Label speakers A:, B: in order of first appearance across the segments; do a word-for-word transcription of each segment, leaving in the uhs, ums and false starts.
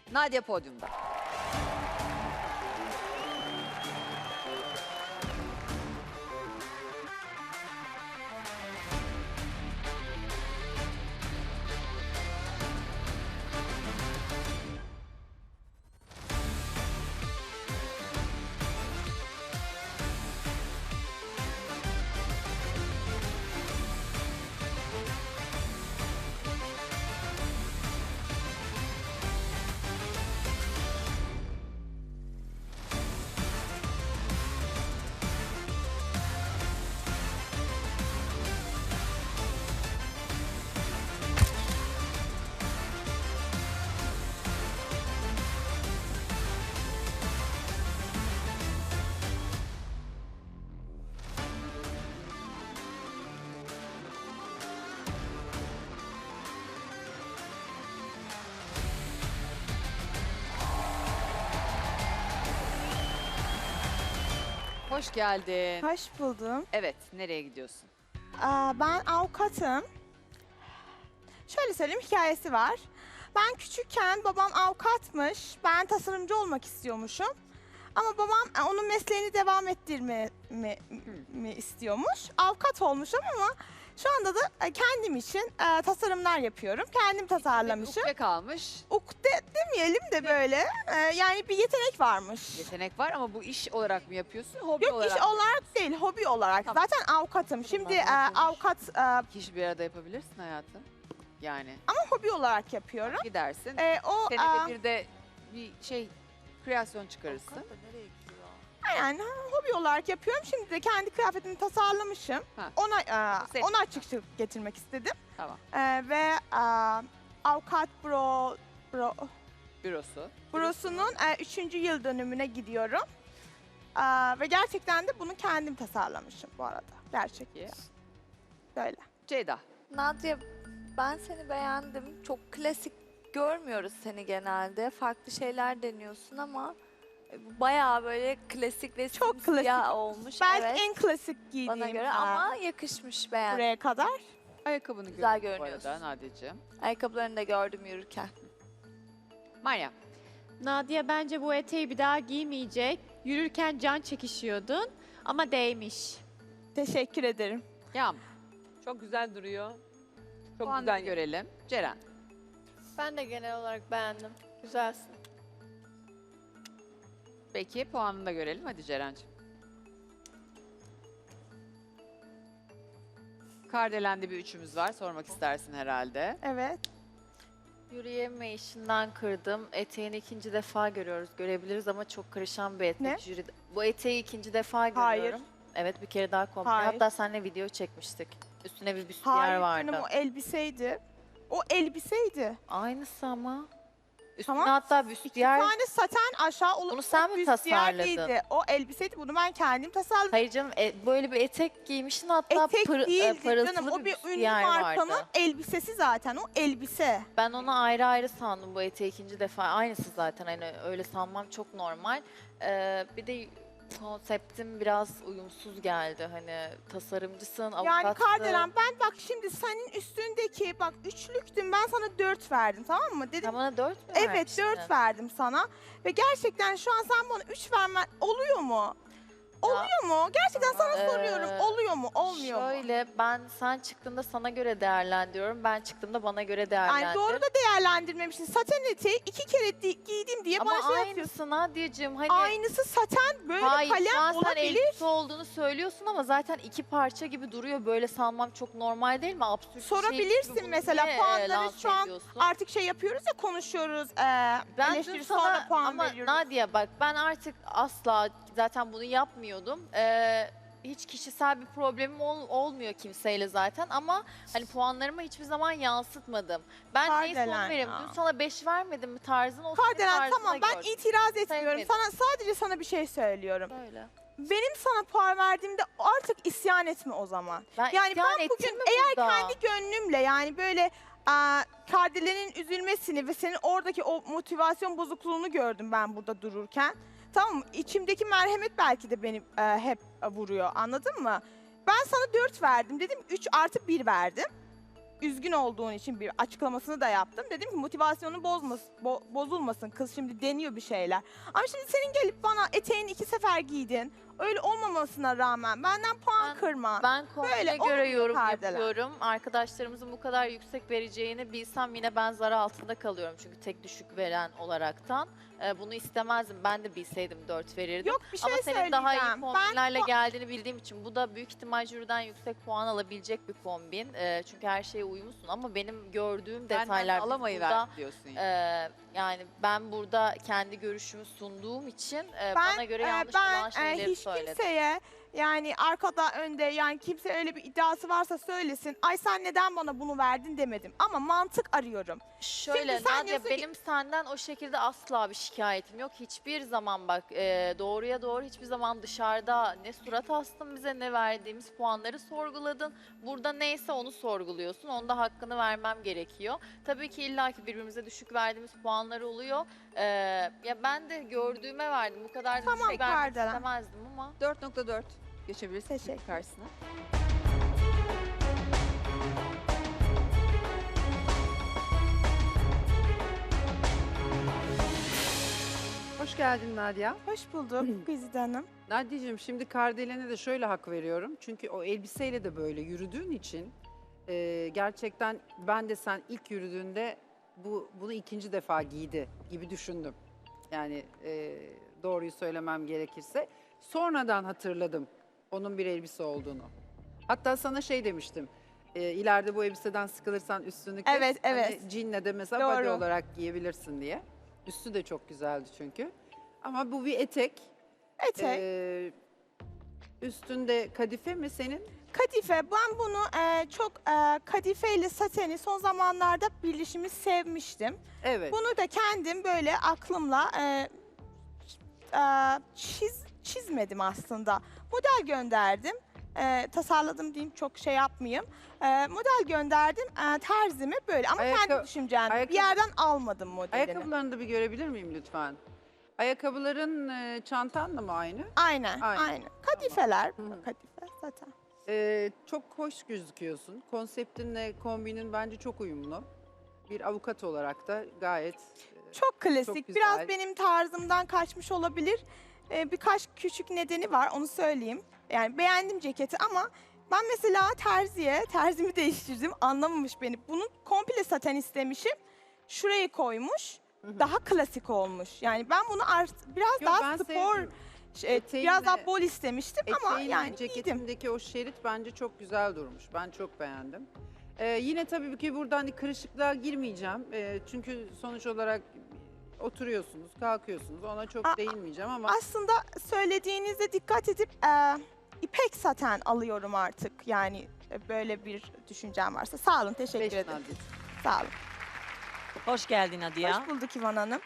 A: Nadia podyumda. Hoş geldin.
B: Hoş buldum.
A: Evet, nereye gidiyorsun?
B: Aa, ben avukatım. Şöyle söyleyeyim, hikayesi var. Ben küçükken babam avukatmış. Ben tasarımcı olmak istiyormuşum. Ama babam e, onun mesleğini devam ettirme mi, mi istiyormuş. Avukat olmuşum ama şu anda da e, kendim için e, tasarımlar yapıyorum. Kendim tasarlamışım.
A: Ukde kalmış.
B: Ukde demeyelim de böyle. e, yani bir yetenek varmış.
A: Yetenek var ama bu iş olarak mı yapıyorsun, hobi
B: Yok,
A: olarak
B: iş
A: mı?
B: olarak değil, hobi olarak.
A: Tamam.
B: Zaten avukatım. Şimdi e,
A: Tamam,
B: avukat e,
A: İki işi bir arada yapabilirsin hayatım. Yani
B: ama hobi olarak yapıyorum.
A: gidersin,
B: E, o
A: senede
B: aa,
A: bir de bir şey, kreasyon çıkarırsın.
B: yani hobi olarak yapıyorum. Şimdi de kendi kıyafetimi tasarlamışım.
A: Ha.
B: Ona e,
A: Senin.
B: ona açıkçılık getirmek istedim.
A: Tamam,
B: E, ve e, avukat bro bro
A: bürosu.
B: bürosunun e, üçüncü yıl dönümüne gidiyorum. E, ve gerçekten de bunu kendim tasarlamışım bu arada. Gerçekten.
A: Peki.
B: Böyle.
A: Ceyda.
C: Nadia, ben seni beğendim. Çok klasik görmüyoruz seni genelde. Farklı şeyler deniyorsun ama e, bayağı böyle klasik ve
B: Çok
C: simsiyah
B: klasik.
C: olmuş.
B: Belki
C: evet,
B: en klasik giydiğim
C: bana göre
B: e,
C: ama yakışmış, beğendim.
B: buraya kadar.
A: Ayakkabını
C: Güzel
A: gördüm bu
C: görünüyorsun.
A: arada Nadia'cığım.
C: Ayakkabılarını da gördüm yürürken.
A: Meryem.
D: Nadia bence bu eteği bir daha giymeyecek. Yürürken can çekişiyordun ama değmiş.
B: Teşekkür ederim.
A: Yağmur.
E: Çok güzel duruyor. Çok
A: Puanını
E: güzel
A: görelim. Ceren.
F: Ben de genel olarak beğendim. Güzelsin.
A: Peki puanını da görelim. Hadi Ceren'ciğim. Kardelendi bir üçümüz var. Sormak istersin herhalde.
B: Evet.
G: Yürüyemeyişinden kırdım. Eteğini ikinci defa görüyoruz, görebiliriz ama çok karışan bir etek.
B: Ne?
G: Jüri- Bu eteği ikinci defa
B: Hayır.
G: görüyorum. Evet, bir kere daha kombin.
B: Hayır.
G: Hatta seninle video çekmiştik. Üstüne bir büstiyer
B: Hayır
G: vardı.
B: canım, o elbiseydi. O elbiseydi.
G: Aynısı ama. Üstüne
B: Tamam.
G: hatta
B: İki
G: büstiyer...
B: tane saten aşağı olup
G: Bunu sen mi
B: büstiyer
G: tasarladın?
B: değildi. O elbiseydi. Bunu ben kendim tasarladım.
G: Hayır canım, e, böyle bir etek giymişsin, hatta
B: Etek
G: pır, e,
B: değildi
G: parıltılı
B: canım. O
G: bir
B: bir ünlü
G: büstiyer
B: markanın
G: vardı.
B: elbisesi zaten. O elbise.
G: Ben onu ayrı ayrı sandım, bu eteği ikinci defa. Aynısı zaten, hani öyle sanmam çok normal. Ee, bir de konseptim biraz uyumsuz geldi. Hani tasarımcısın, avukatsın.
B: Yani Kardelen, ben bak şimdi senin üstündeki bak üçlüktüm, ben sana dört verdim, tamam mı? Dedim
G: Sen bana dört mü
B: evet
G: vermiştin?
B: dört verdim sana. Ve gerçekten şu an sen bana üç vermen oluyor mu? Oluyor mu? Gerçekten sana
G: Ee,
B: soruyorum. Oluyor mu? Olmuyor mu?
G: Şöyle, ben sen çıktığında sana göre değerlendiriyorum. Ben çıktığımda bana göre değerlendir.
B: Yani doğru da değerlendirmemişsin. Saten eteği iki kere di- giydim diye
G: Ama
B: bana şey yapıyorsun.
G: aynısı Nadia'cığım, hani...
B: Aynısı saten böyle
G: Hayır, şu an
B: kalem
G: sen
B: olabilir.
G: elbise olduğunu söylüyorsun ama zaten iki parça gibi duruyor. Böyle sanmam çok normal değil mi? Absürt bir şey gibi
B: Sorabilirsin
G: bunu
B: mesela,
G: niye, e,
B: puanları
G: lanse
B: şu an
G: ediyorsun?
B: Artık şey yapıyoruz ya, konuşuyoruz. E,
G: Ben dün
B: eleştiri
G: sana
B: sonra puan
G: ama
B: veriyoruz.
G: Nadia bak, ben artık asla zaten bunu yapmıyordum. Ee, hiç kişisel bir problemim ol- olmuyor kimseyle zaten ama hani puanlarımı hiçbir zaman yansıtmadım. Ben neyi
B: Kardelen
G: son veririm?
B: ya.
G: Dün sana beş vermedim mi? Tarzın o senin
B: Kardelen
G: tarzına
B: tamam, ben
G: göre.
B: itiraz etmiyorum.
G: Sevmedim.
B: Sana sadece sana bir şey söylüyorum.
G: Böyle.
B: Benim sana puan verdiğimde artık isyan etme o zaman.
G: Ben
B: Yani
G: isyan
B: ben
G: ettim
B: bugün
G: mi
B: eğer
G: burada?
B: kendi gönlümle, yani böyle aa, Kardelen'in üzülmesini ve senin oradaki o motivasyon bozukluğunu gördüm ben burada dururken. Tamam mı? İçimdeki merhamet belki de beni e, hep e, vuruyor, anladın mı? Ben sana dört verdim dedim, üç artı bir verdim. üzgün olduğun için bir açıklamasını da yaptım. Dedim ki motivasyonu bozmasın, bo- bozulmasın. Kız şimdi deniyor bir şeyler. Ama şimdi senin gelip bana eteğini iki sefer giydin. Öyle olmamasına rağmen benden puan
G: Ben-
B: kırma.
G: Ben kombine
B: Böyle
G: göre
B: olmuyor
G: yorum
B: perdeler.
G: yapıyorum. Arkadaşlarımızın bu kadar yüksek vereceğini bilsem yine ben zar altında kalıyorum. Çünkü tek düşük veren olaraktan. Ee, bunu istemezdim. Ben de bilseydim dört verirdim.
B: Yok bir şey
G: Ama senin daha iyi
B: söyleyeceğim.
G: kombinlerle
B: Ben
G: geldiğini bildiğim için bu da büyük ihtimal jüriden yüksek puan alabilecek bir kombin. Ee, çünkü her şeye uyumlusun ama benim gördüğüm
A: Benden
G: detaylar
A: alamayı
G: burada,
A: ver diyorsun. Yani.
G: e, yani ben burada kendi görüşümü sunduğum için e,
B: ben,
G: bana göre
B: e,
G: yanlış
B: ben,
G: olan
B: e,
G: şeyleri
B: hiç
G: söyledim.
B: kimseye yani arkada önde yani kimse öyle bir iddiası varsa söylesin. Ay sen neden bana bunu verdin demedim. Ama mantık arıyorum.
G: Şöyle
B: Şimdi sen
G: Nadia
B: diyorsun ki-
G: benim senden o şekilde asla bir şikayetim yok. Hiçbir zaman bak e, doğruya doğru hiçbir zaman dışarıda ne surat astın bize ne verdiğimiz puanları sorguladın. Burada neyse onu sorguluyorsun. Onda hakkını vermem gerekiyor. Tabii ki illaki birbirimize düşük verdiğimiz puanlar oluyor. E, ya ben de gördüğüme verdim. Bu kadar da
B: Tamam,
G: düşük vermek
B: Kardelen.
G: istemezdim ama.
A: dört nokta dört geçebilirsin
B: Teşekkür.
A: karşısına.
H: Hoş geldin Nadia.
B: Hoş bulduk Güzide Hanım.
H: Nadia'cığım şimdi Kardelen'e de şöyle hak veriyorum. Çünkü o elbiseyle de böyle yürüdüğün için e, gerçekten ben de sen ilk yürüdüğünde bu bunu ikinci defa giydi gibi düşündüm. Yani e, doğruyu söylemem gerekirse. Sonradan hatırladım onun bir elbise olduğunu. Hatta sana şey demiştim. E, ileride bu elbiseden sıkılırsan üstünü kes.
B: Evet, evet.
H: Hani jeanle de mesela body
B: Doğru.
H: olarak giyebilirsin diye. Üstü de çok güzeldi çünkü. Ama bu bir etek.
B: Etek.
H: Ee, üstünde kadife mi senin?
B: Kadife. Ben bunu e, çok e, kadife ile sateni son zamanlarda birleşimi sevmiştim.
H: Evet.
B: Bunu da kendim böyle aklımla e, e, çiz, çizmedim aslında. Model gönderdim. E, tasarladım diyeyim çok şey yapmayayım. E, model gönderdim e, terzime böyle ama
H: Ayakkabı-
B: kendi düşüncem.
H: ayakkabı-
B: Bir yerden almadım modelini.
H: Ayakkabılarını da bir görebilir miyim lütfen? Ayakkabıların e, çantanla mı aynı?
B: Aynen,
H: Aynen.
B: aynen. Kadifeler.
H: Hı hı.
B: Kadife zaten.
H: Ee, çok hoş gözüküyorsun. Konseptinle kombinin bence çok uyumlu. Bir avukat olarak da gayet e,
B: Çok klasik.
H: Çok güzel.
B: Biraz benim tarzımdan kaçmış olabilir. Ee, birkaç küçük nedeni var, onu söyleyeyim. Yani beğendim ceketi ama ben mesela terziye, terzimi değiştirdim, anlamamış beni. Bunu komple saten istemişim. Şurayı koymuş,
H: hı.
B: daha klasik olmuş. Yani ben bunu art- biraz
H: Yo,
B: daha
H: ben
B: spor,
H: sevdim.
B: şey,
H: Eteğinle-
B: biraz daha bol istemiştim ama
H: Eteğinle
B: yani giydim.
H: ceketindeki o şerit bence çok güzel durmuş. Ben çok beğendim. Ee, yine tabii ki buradan hani kırışıklığa girmeyeceğim. Ee, çünkü sonuç olarak oturuyorsunuz, kalkıyorsunuz. Ona çok
B: Aa,
H: değinmeyeceğim ama
B: Aslında söylediğinizde dikkat edip e, ipek saten alıyorum artık. Yani e, böyle bir düşüncem varsa. Sağ olun, teşekkür
H: beş
B: ederim.
H: Nadia.
B: Sağ olun.
I: Hoş geldin Nadia.
B: Hoş bulduk İvan Hanım.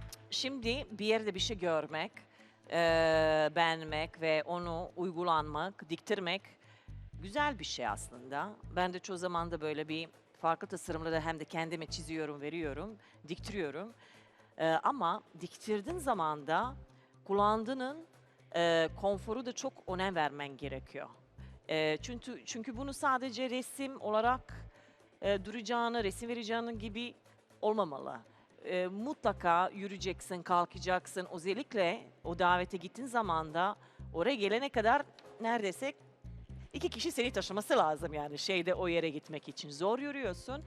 I: Şimdi bir yerde bir şey görmek, e, beğenmek ve onu uygulanmak, diktirmek güzel bir şey aslında. Ben de çoğu zaman da böyle bir farklı tasarımları hem de kendime çiziyorum, veriyorum, diktiriyorum. E, ama diktirdiğin zaman da kullandığının e, konforu da çok önem vermen gerekiyor. E, çünkü çünkü bunu sadece resim olarak e, duracağını, resim vereceğini gibi olmamalı. E, mutlaka yürüyeceksin, kalkacaksın. Özellikle o davete gittiğin zaman da oraya gelene kadar neredeyse iki kişi seni taşıması lazım yani şeyde o yere gitmek için. Zor yürüyorsun.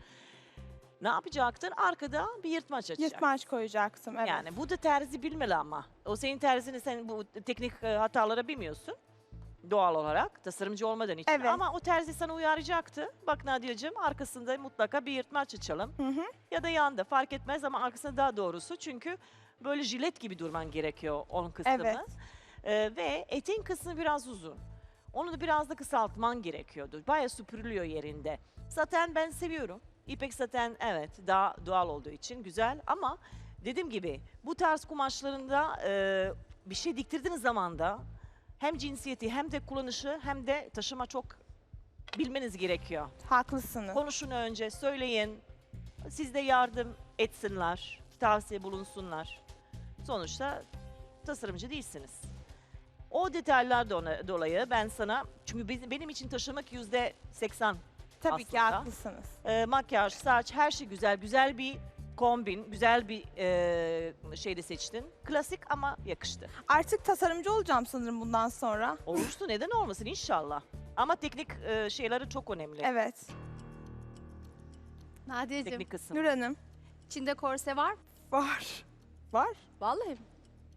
I: Ne yapacaktın? Arkada bir yırtmaç açacaksın.
B: Yırtmaç koyacaktım, evet.
I: Yani bu da terzi bilmeli ama. O senin terzini sen bu teknik e, hatalara bilmiyorsun. Doğal olarak tasarımcı olmadan için.
B: Evet.
I: Ama o terzi sana uyaracaktı. Bak Nadia'cığım arkasında mutlaka bir yırtmaç açalım.
B: Hı hı.
I: Ya da yanda fark etmez ama arkasında daha doğrusu. Çünkü böyle jilet gibi durman gerekiyor onun kısmını.
B: Evet.
I: Ee, ve eteğin kısmı biraz uzun. Onu da biraz da kısaltman gerekiyordu. Bayağı süpürülüyor yerinde. Zaten ben seviyorum. İpek zaten evet daha doğal olduğu için güzel ama dediğim gibi bu tarz kumaşlarında e, bir şey diktirdiğiniz zaman da hem cinsiyeti hem de kullanışı hem de taşıma çok bilmeniz gerekiyor.
B: Haklısınız.
I: Konuşun önce, söyleyin. Siz de yardım etsinler, tavsiye bulunsunlar. Sonuçta tasarımcı değilsiniz. O detaylar dona- dolayı ben sana, çünkü benim, benim için taşımak yüzde seksen
B: Tabii ki
I: aslında.
B: haklısınız.
I: Ee, makyaj, saç, her şey güzel. Güzel bir kombin, güzel bir e, şey de seçtin. Klasik ama yakıştı.
B: Artık tasarımcı olacağım sanırım bundan sonra.
I: Olmuştu, neden olmasın inşallah. Ama teknik e, şeyleri çok önemli.
B: Evet.
J: Nadiyeciğim,
I: Teknik kısım.
B: Nur Hanım.
J: içinde korse var mı?
B: Var. Var.
J: Vallahi mi?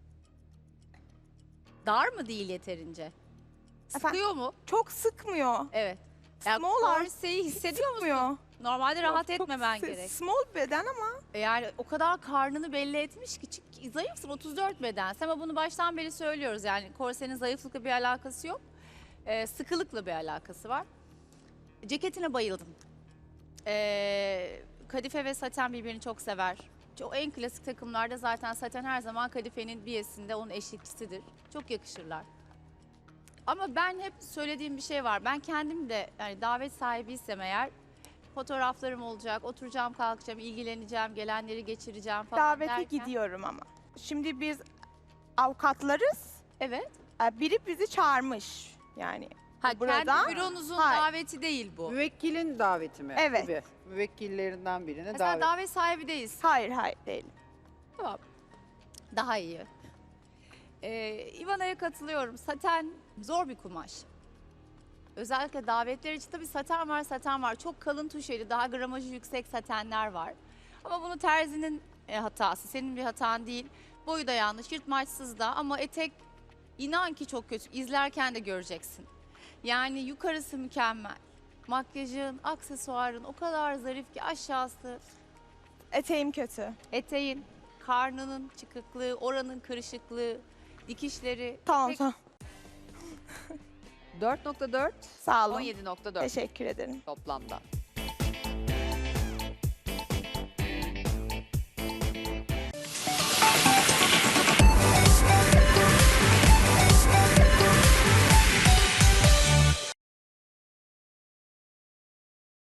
J: Dar mı değil yeterince?
B: Efendim?
J: Sıkıyor mu?
B: Çok sıkmıyor.
J: Evet. Ya
B: Small arm
J: korseyi hissediyor musun?
B: sıkmıyor.
J: Normalde rahat
B: Çok
J: etmemen
B: s-
J: gerek.
B: Small beden ama
J: E Yani o kadar karnını belli etmiş ki çünkü zayıfsın, otuz dört bedensin ama bunu baştan beri söylüyoruz. Yani korsenin zayıflıkla bir alakası yok. Ee, sıkılıkla bir alakası var. Ceketine bayıldım. Ee, kadife ve saten birbirini çok sever. O en klasik takımlarda zaten saten her zaman kadifenin biyesinde onun eşlikçisidir. Çok yakışırlar. Ama ben hep söylediğim bir şey var. Ben kendim de yani davet sahibiysem eğer fotoğraflarım olacak, oturacağım, kalkacağım, ilgileneceğim, gelenleri geçireceğim falan
B: davete
J: derken-
B: gidiyorum ama. Şimdi biz avukatlarız.
J: Evet.
B: Ee, Biri bizi çağırmış. Yani
J: Ha,
B: Burada-
J: kendi büronuzun
B: Hayır.
J: daveti değil bu.
H: Müvekkilin daveti mi?
B: Evet.
H: Tabii. Müvekkillerinden birine
J: Mesela
H: davet.
J: davet sahibi değilsin.
B: hayır hayır değil.
J: Tamam. Daha iyi. Ee, İvana'ya katılıyorum. Saten zor bir kumaş. Özellikle davetler için tabii saten var, saten var. Çok kalın tuşeli, daha gramajı yüksek satenler var. Ama bunu terzinin e, hatası, senin bir hatan değil. Boyu da yanlış, yırtmaçsız da ama etek inan ki çok kötü. İzlerken de göreceksin. Yani yukarısı mükemmel. Makyajın, aksesuarın o kadar zarif ki aşağısı
B: Eteğim kötü.
J: eteğin, karnının çıkıklığı, oranın kırışıklığı, dikişleri.
B: Tamam
J: etek-
B: tamam.
E: dört nokta dört,
B: Sağ olun.
E: on yedi nokta dört
B: Teşekkür ederim.
E: toplamda.